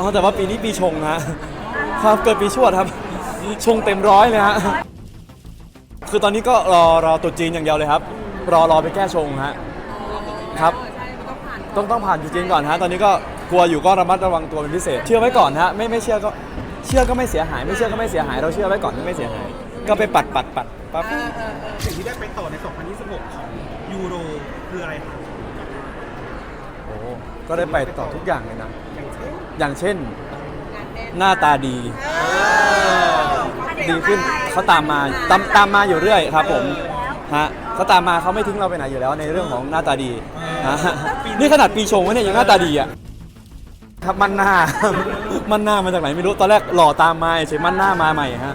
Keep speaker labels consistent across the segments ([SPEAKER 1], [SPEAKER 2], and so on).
[SPEAKER 1] อ๋อแต่ว่าปีนี้ปีชงฮะครับเกิดปีชวดครับชงเต็มร้อยเลยฮะคือตอนนี้ก็รอตรุษจีนอย่างเดียวเลยครับรอไปแก้ชงฮะครับต้องผ่านตรุษจีนก่อนฮะตอนนี้ก็กลัวอยู่ก็ระมัดระวังตัวเป็นพิเศษเชื่อไว้ก่อนฮะไม่เชื่อก็เชื่อก็ไม่เสียหายไม่เชื่อก็ไม่เสียหายเราเชื่อไว้ก่อนไม่เสียหายก็ไปปัดปั๊บ
[SPEAKER 2] สิ่งที่ได้ไปต่อใน 2026 ของยูโรคืออะไรครับ
[SPEAKER 1] โอ้ก็ได้ไปต่อทุกอย่างเลยนะอย่างเช่นหน้าตาดีขึ้นเขาตามมาอยู่เรื่อยครับผมฮะเขาตามมาเขาไม่ทิ้งเราไปไหนอยู่แล้วในเรื่องของหน้าตาดีนะนี่ขนาดปีชงวะเนี่ยยังหน้าตาดีอ่ะครับมันหน้ามาจากไหนไม่รู้ตอนแรกหล่อตามมาเฉยมันหน้ามาใหม่ฮะ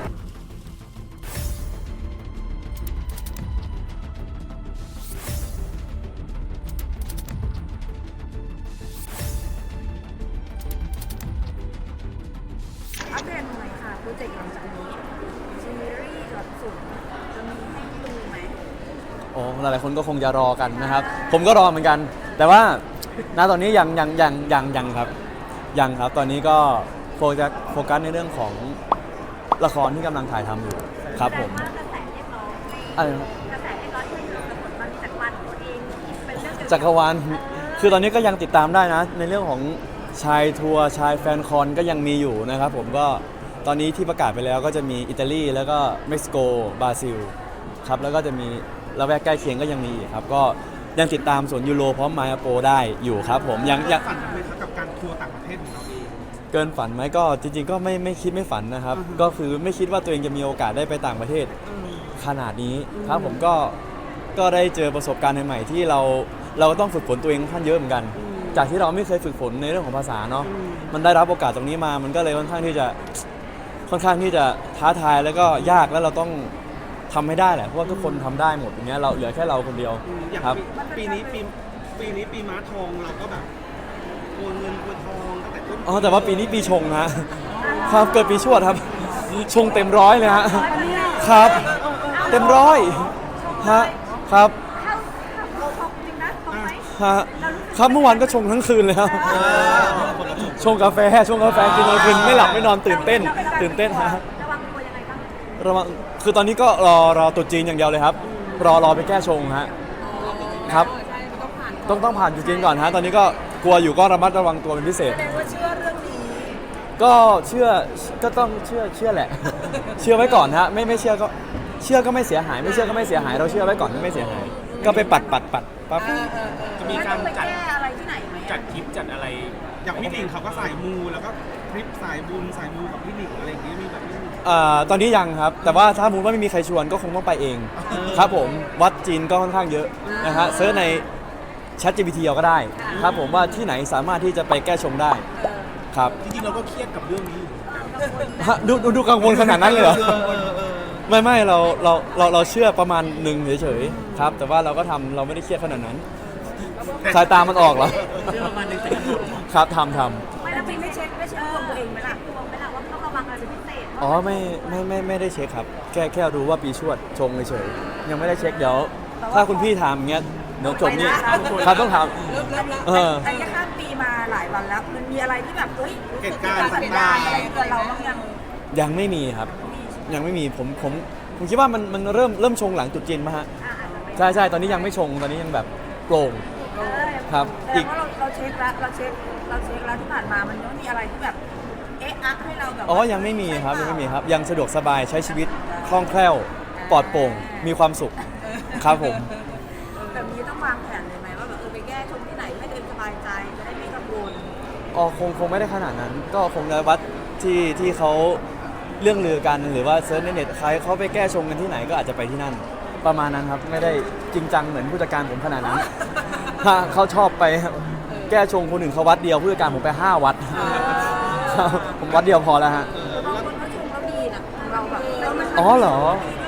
[SPEAKER 3] อัปเดตหน่อยค่ะโปรเจกต์หลังจากนี้ซีรีส์หลักสูตรจะมีให้ดูไหม
[SPEAKER 1] โอ้หลายๆคนก็คงจะรอกันนะครับผมก็รอเหมือนกันแต่ว่าณตอนนี้ยังครับตอนนี้ก็โฟกัสในเรื่องของละครที่กำลังถ่ายทำอยู่ครับผม
[SPEAKER 3] กระแสเรียกร้อง
[SPEAKER 1] อะไร
[SPEAKER 3] กระแสเรียกร้องให้ดูผลมันจากวันตัวเองเป็นเรื่อง
[SPEAKER 1] จักรวาลคือตอนนี้ก็ยังติดตามได้นะในเรื่องของชายทัวร์ชายแฟนคอนก็ยังมีอยู่นะครับผมก็ตอนนี้ที่ประกาศไปแล้วก็จะมีอิตาลีแล้วก็เม็กซิโกบราซิลครับแล้วก็จะมีละแวกใกล้เคียงก็ยังมีอีกครับก็ยังติดตามสวนยูโรพร้อมมาโปได้อยู่ครับผมยัง
[SPEAKER 2] ฝันไหมครับกับการทัวร์ต่างประเทศของเราเอง
[SPEAKER 1] เกินฝันไหมก็จริงๆก็ไม่คิดไม่ฝันนะครับก็คือไม่คิดว่าตัวเองจะมีโอกาสได้ไปต่างประเทศขนาดนี้ครับผมก็ได้เจอประสบการณ์ใหม่ๆที่เราต้องฝึกฝนตัวเองค่อนข้างเยอะเหมือนกันจากที่เราไม่เคยฝึกฝนในเรื่องของภาษาเนาะมันได้รับโอกาสตรงนี้มามันก็เลยค่อนข้างที่จะท้าทายแล้วก็ยากแล้วเราต้องทำให้ได้แหละเพราะว่าทุกคนทำได้หมดอย่างเงี้ยเราเหลือแค่เราคนเดียว
[SPEAKER 2] อย่าง
[SPEAKER 1] ครับ
[SPEAKER 2] ปีนี้ปีม้าทองเราก็แบบโอนเงินโอนทองตั้งแต่ต้น
[SPEAKER 1] อ๋อแต่ว่าปีนี้ปีชงฮะครับเกิดปีชวดครับชงเต็มร้อยเลยฮะครับเต็มร้อยฮะครับ
[SPEAKER 3] เราชอบจริงนะชอบไหม
[SPEAKER 1] ฮะครับเมื่อวานก็ชงทั้งคืนเลยครับชงกาแฟกินทั้งคืนไม่หลับไม่นอนตื่นเต้นฮะ
[SPEAKER 3] ระวังตัวยังไงบ้าง
[SPEAKER 1] ระวังคือตอนนี้ก็รอตรุษจีนอย่างเดียวเลยครับรอไปแก้ชงฮะครับต้องผ่านตรุษจีนก่อนฮะตอนนี้ก็กลัวอยู่ก็ระมัดระวังตัวเป็นพิเศษ
[SPEAKER 3] แสดงว่าเชื่อเรื่องนี้
[SPEAKER 1] ก็ก็ต้องเชื่อแหละเชื่อไว้ก่อนฮะไม่เชื่อก็เชื่อก็ไม่เสียหายไม่เชื่อก็ไม่เสียหายเราเชื่อไว้ก่อนไม่เสียหายก็ไปปัดปั๊บ
[SPEAKER 2] จะมีการ
[SPEAKER 3] จัดอะไรที่ไหนไหม
[SPEAKER 2] จัดทริปจัดอะไรอย่างพี่หนิงเขาก็สายมูแล้วก็ทริปสายบุญสายมูกับพี่หนิงอะไรอย่างเงี้ยมีแบบนี้
[SPEAKER 1] ตอนนี้ยังครับแต่ว่าถ้ามูลว่าไม่มีใครชวนก็คงต้องไปเองครับผมวัดจีนก็ค่อนข้างเยอะนะฮะเซิร์ชใน ChatGPT เอาก็ได้ครับผมว่าที่ไหนสามารถที่จะไปแก้ชงได้ครับ
[SPEAKER 2] จริงๆเราก็เครียดกับเรื่องนี้
[SPEAKER 1] ดูกังวลขนาดนั้นเลยเหรอไม่เราเชื่อประมาณหนึ่งเฉยๆครับแต่ว่าเราก็ทำเราไม่ได้เครียดขนาดนั้นสายตามันออกเหรอ
[SPEAKER 2] เชื่อประมาณหนึ่ง
[SPEAKER 1] ครับทำ
[SPEAKER 3] ไม่แล้วไม่เช็คดวงตัวเองไหมล่ะดวงไหมล่ะว่าต้องระวังอะไรเป็นพิเศษ
[SPEAKER 1] อ๋อไม่ได้เช็คครับแค่รู้ว่าปีชวดชงเฉยๆยังไม่ได้เช็คเดี๋ยวถ้าคุณพี่ถามอย่างเงี้ยเดี๋ยวจบนี่ครับต้องถาม
[SPEAKER 3] แต่ยังข้ามปีมาหลายวันแล้วมันมีอะไรที่แบบ
[SPEAKER 2] เหตุการณ์ต่างๆ
[SPEAKER 3] อะไรเกิดเราบ้าง
[SPEAKER 1] ยังไม่มีครับยังไม่มีผมคิดว่ามันเริ่มชงหลังตรุษจีนมาฮะใช่ตอนนี้ยังไม่ชงตอนนี้ยังแบบโปร่งครับ
[SPEAKER 3] อีกเราเช็คแล้วที่ผ่านมามันยังมีอะไรที่แบบอัพให้เราแบบ
[SPEAKER 1] อ๋อยังไม่มีครับยังสะดวกสบายใช้ชีวิตคล่องแคล่วปลอดโปร่งมีความสุขครับผม
[SPEAKER 3] แบบนี้ต้องวางแผนเลยไหมว่าแบบไปแก้ชงที่ไหนให้ตัวเองสบายใจจะได้ไม่กังวล
[SPEAKER 1] อ๋อคงไม่ได้ขนาดนั้นก็คงในวัดที่เขาเรื่องลือกันหรือว่าเซิร์ชในเน็ตใครเขาไปแก้ชงกันที่ไหนก็อาจจะไปที่นั่นประมาณนั้นครับไม่ได้จริงจังเหมือนผู้จัดการผมขนาดนั้นเขาชอบไปแก้ชงคนอื่นเขาวัดเดียวผู้จัดการผมไป5 วัดผมวัดเดียวพอแล้วฮะ
[SPEAKER 3] บางคนเขาชงเขาดีนะเราแบบ
[SPEAKER 1] อ๋อเหรอ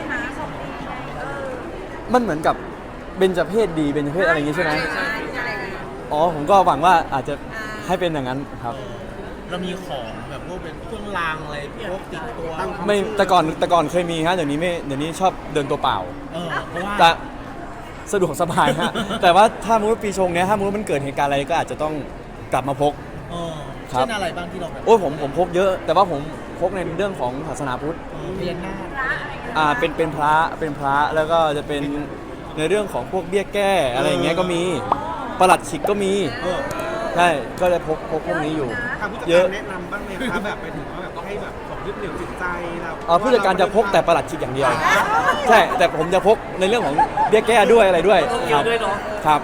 [SPEAKER 1] มันเหมือนกับเบญจเพศดีเบญจเพศอะไรอย่างงี้ใช่ไหมอ๋อผมก็หวังว่าอาจจะให้เป็นอย่างนั้นครับ
[SPEAKER 2] เรามีของแบบพวกเป็นเครื่องรางอะไรพวกติดตัว
[SPEAKER 1] ไม่แต่ก่อนเคยมีฮะเดี๋ยวนี้ชอบเดินตัวเปล่า
[SPEAKER 2] เพราะว่า
[SPEAKER 1] แต่สะดวกสบายฮะแต่ว่าถ้ามุ้งปีชงเนี้ยถ้ามุ้งมันเกิดเหตุการณ์อะไรก็อาจจะต้องกลับมาพกครับ
[SPEAKER 4] เช่นอะไรบ้างที่เราแบบ
[SPEAKER 1] โอ้ยผมพกเยอะ แต่ว่าผมพกในเรื่องของศาสนาพุทธ
[SPEAKER 4] เรียนหน้า
[SPEAKER 3] พระอะไรเงี้ย
[SPEAKER 1] เป็นพระแล้วก็จะเป็นในเรื่องของพวกเบี้ยแก้อะไรอย่างเงี้ยก็มีประหลัดขิกก็มี
[SPEAKER 2] เออ
[SPEAKER 1] ใช่ก็จะพกพวกนี้อยู่
[SPEAKER 2] ทางผู้จัด
[SPEAKER 1] เย
[SPEAKER 2] กา
[SPEAKER 1] อะ
[SPEAKER 2] รแนะนำบ้างไหมคะแบบไปถึงว่าแบบให้แบบของยึดเหนี่ยวจิตใจเรา
[SPEAKER 1] ผู้จัดการจะพกแต่ประหลัดขิกอย่างเดียว ใช่แต่ผมจะพกในเรื่องของเบี้ยแก้ด้วยอะไรด้วยครับครับ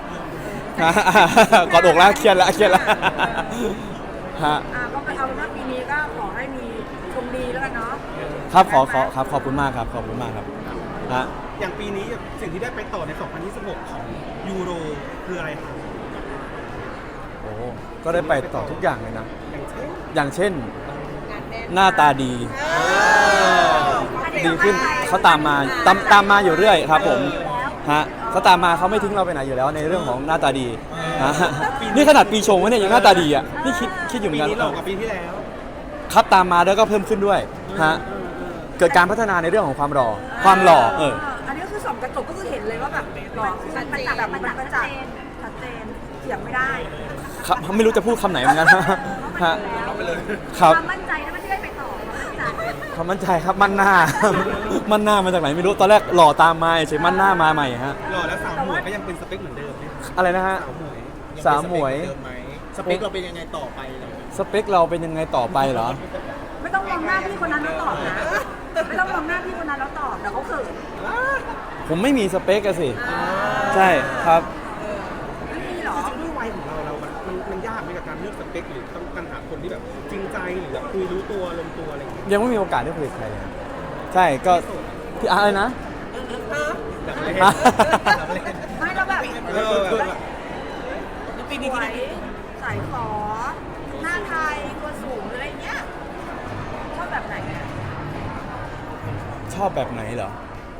[SPEAKER 1] กอดอกแล้วเครียดแล้วฮะ
[SPEAKER 3] ก็ไปเอาเป็นว่าปีนี้ก็ขอให้มีชมดีแล้วกันเนาะ
[SPEAKER 1] ครับครับขอบคุณมากครับขอบคุณมากครับฮะ
[SPEAKER 2] อย่างปีนี้สิ่งที่ได้ไปต่อใน 2026 ของยูโรคืออะไรคะ
[SPEAKER 1] โอ้ก็ได้ไปต่อทุกอย่างเลยนะ
[SPEAKER 2] อย่างเช่น
[SPEAKER 1] อย่างเช่น หน้าตาดีดีขึ้นเขาตามมาอยู่เรื่อยครับผมฮะเขาตามมาเขาไม่ทิ้งเราไปไหนอยู่แล้วในเรื่องของหน้าตาดีฮะนี่ขนาดปีชงวะเนี่ยยังหน้าตาดีอ่ะนี่คิดอยู่เหมื
[SPEAKER 2] ปี
[SPEAKER 1] อนกัน
[SPEAKER 2] นี้หล่อกว่าปีที่แล้ว
[SPEAKER 1] ครับตามมาแล้วก็เพิ่มขึ้นด้วยฮะเกิดการพัฒนาในเรื่องของความหล่อ
[SPEAKER 3] อันนี้ก็คือส่องกระจกก็คือเห็นเลยว่าแบบหล่อมันประจักษ์มันประจักษ์ชัดเจนเถียงไม่ได้
[SPEAKER 1] ครับไม่รู้จะพูดคำไหนเหมือนกันฮะครับ
[SPEAKER 3] ความมั่นใจนะไม่ได้ไปต่อความมั่นใจ
[SPEAKER 1] ความมั่นใจครับมั่นหน้า มั่นหน้ามาจากไหนไม่รู้ตอนแรกหล่อตามมาเฉยมั่นหน้ามาใหม่ฮะ
[SPEAKER 2] หล่อแล้วสาวหมวยก็ยังเป็นสเปคเหมือนเดิมไหมคะ
[SPEAKER 1] อะไรนะฮะ
[SPEAKER 2] สาวหมวย
[SPEAKER 1] สาวหมวย
[SPEAKER 4] เดิมไหมสเปคเราเป็นยังไงต่อไปเลย
[SPEAKER 1] สเปคเราเป็นยังไงต่อไปเหรอ
[SPEAKER 3] ไม่ต้องมองหน้าพี่คนนั้นแล้วตอบนะไม่ต้องมองหน้าพี่คนนั้นแล้วตอบเดี๋ยวเขาเขิน
[SPEAKER 1] ผมไม่มีสเปคอะสิใช่ครับ
[SPEAKER 3] ไม่มีหรอ
[SPEAKER 2] จริงๆด้วยวัยของเรามันยากไหมกับการเลือกสเปคหรือต้องการหาคนที่แบบจริงใจหรือแบบคุยรู้ตัวลงตัวอะไรอย่างเงี้ย
[SPEAKER 1] ยังไม่มีโอกาสได้คุยกับใครเลยใช่ก็พี่อะไรนะ
[SPEAKER 2] แบบเล่น
[SPEAKER 1] ฮะ
[SPEAKER 2] แบบเล่น
[SPEAKER 3] ไม่แล้วแบบ
[SPEAKER 4] ปีนี้
[SPEAKER 3] สวยสายขอหน้าไทยตัวสูงอะไรเงี้ยชอบแบบไหนอะ
[SPEAKER 1] ชอบแบบไหนเหรอ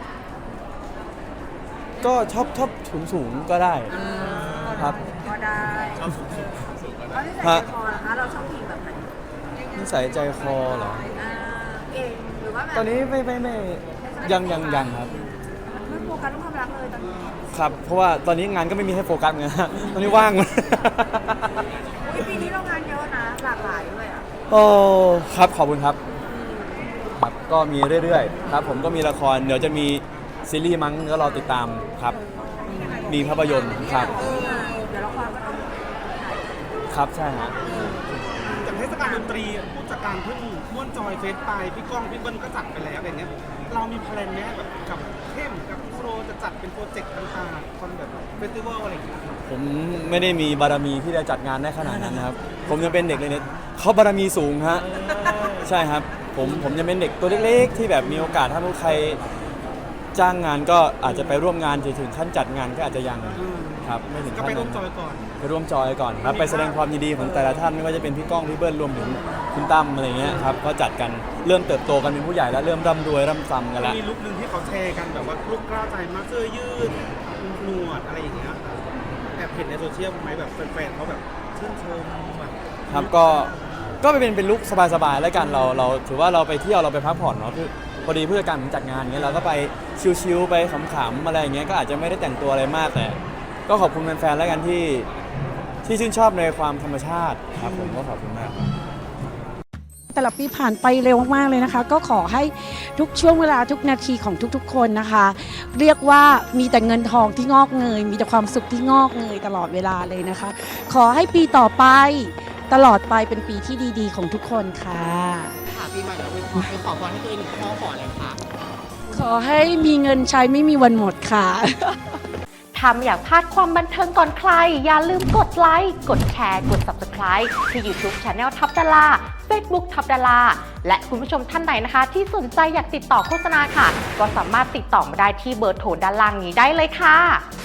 [SPEAKER 1] ก็ชอบสูงก็ได้ครับ
[SPEAKER 3] ก็ได้
[SPEAKER 2] ชอบสูง
[SPEAKER 3] เอาที่ใส่ใจคอเหรอคะเราชอบผู้หญิงแบบไหน
[SPEAKER 1] นิสัยใจคอเหรอ
[SPEAKER 3] เก่งหรือว่าแบบ
[SPEAKER 1] ตอนนี้ไม่ยังครับ
[SPEAKER 3] ไม่โฟกัสเรื่องความรักเลยตอนนี้
[SPEAKER 1] ครับ เพราะว่าตอนนี้งานก็ไม่มีให้โฟกัสเหมือนกันฮะตอนนี้ว่าง
[SPEAKER 3] อุ๊ยปีนี้เรางานเยอะนะหลากหลายด้วยอ่ะ
[SPEAKER 1] โอ้ครับขอบคุณครับครับก็มีเรื่อยๆครับผมก็มีละครเดี๋ยวจะมีซีรีส์มั้งก็รอติดตามครับ มีภาพยนตร์ครับ
[SPEAKER 3] เดี๋ยวละครก็ต้อง
[SPEAKER 1] ครับใช่ฮะ
[SPEAKER 2] จากเทศกาลดนตรีผู้จัดการเพิ่งม่วนจอยเฟสไปพี่ก้องพี่เบิ้ลก็จัดไปแล้วอะไรเงี้ยเรามีแพลนไหมแบบกับเข้มกับโปรจะจัดเป็นโปรเจกต์ต่างๆคอนแบบเฟสติวัลอะไรอย่างเงี้ย
[SPEAKER 1] ผมไม่ได้มีบารมีที่จะจัดงานได้ขนาดนั้นนะครับ ผมยังเป็นเด็กเลยเนี่ยเขาบารมีสูงฮะใช่ครับผมยังเป็นเด็กตัวเล็กๆ ที่แบบมีโอกาสถ้าใครจ้างงานก็อาจจะไปร่วมงานถึงขั้นจัดงานก็อาจจะยังครับไม่ถึง
[SPEAKER 2] ก็
[SPEAKER 1] ขั้น
[SPEAKER 2] ไปร่ว
[SPEAKER 1] นั้
[SPEAKER 2] ม
[SPEAKER 1] น
[SPEAKER 2] จอยก่อน
[SPEAKER 1] ไปร่วมจอยก่อนครับไปแสดงความยินดีของแต่ละท่านไม่ว่าจะเป็นพี่ก้องพี่เบิ้ลรวมถึงคุณตั้มอะไรเงี้ยครับก็จัดกันเริ่มเติบโตกันเป็นผู้ใหญ่แล้วเริ่มร่ำรวยร่ำซ้ำกันแล้ว
[SPEAKER 2] มีลุคหนึ่งที่เขาแชร์กันแบบว่าลุคกล้าวใจมากเสื้อยืดหนวดอะไรอย่างเงี้ยแอบเห็นในโซเชียลไหมแบบแฟนๆเขาแบบชื่นชมแบบ
[SPEAKER 1] ครับก็เป็นลุคสบายๆแล้วกันเราถือว่าเราไปเที่ยวเราไปพักผ่อนเนาะคือพอดีผู้จัดการผมจัดงานเงี้ยเราก็ไปชิลๆไปขำๆอะไรอย่างเงี้ยก็อาจจะไม่ได้แต่งตัวอะไรมากแต่ก็ขอบคุณแฟนๆแล้วกันที่ชื่นชอบในความธรรมชาติครับผมก็ขอบคุณมากครับ
[SPEAKER 5] แต่ละปีผ่านไปเร็วมากๆเลยนะคะ ก็ขอให้ทุกช่วงเวลาทุกนาทีของทุกๆคนนะคะ เรียกว่ามีแต่เงินทองที่งอกเงย มีแต่ความสุขที่งอกเงยตลอดเวลาเลยนะคะ ขอให้ปีต่อไปตลอดไปเป็นปีที่ดีๆของทุกคนค่ะ
[SPEAKER 4] ค่ะปีใหม่เราไปขอพรให้ตัวเองหนึ่งข้อขออะไรคะ
[SPEAKER 5] ขอให้มีเงินใช้ไม่มีวันหมดค่ะ
[SPEAKER 6] ถ้าไม่อยากพลาดความบันเทิงก่อนใคร อย่าลืมกดไลค์ กดแชร์ กด Subscribe ที่ YouTube Channel ทับดารา Facebook ทับดาราและคุณผู้ชมท่านไหนนะคะ ที่สนใจอยากติดต่อโฆษณาค่ะ ก็สามารถติดต่อมาได้ที่เบอร์โทรด้านล่างนี้ได้เลยค่ะ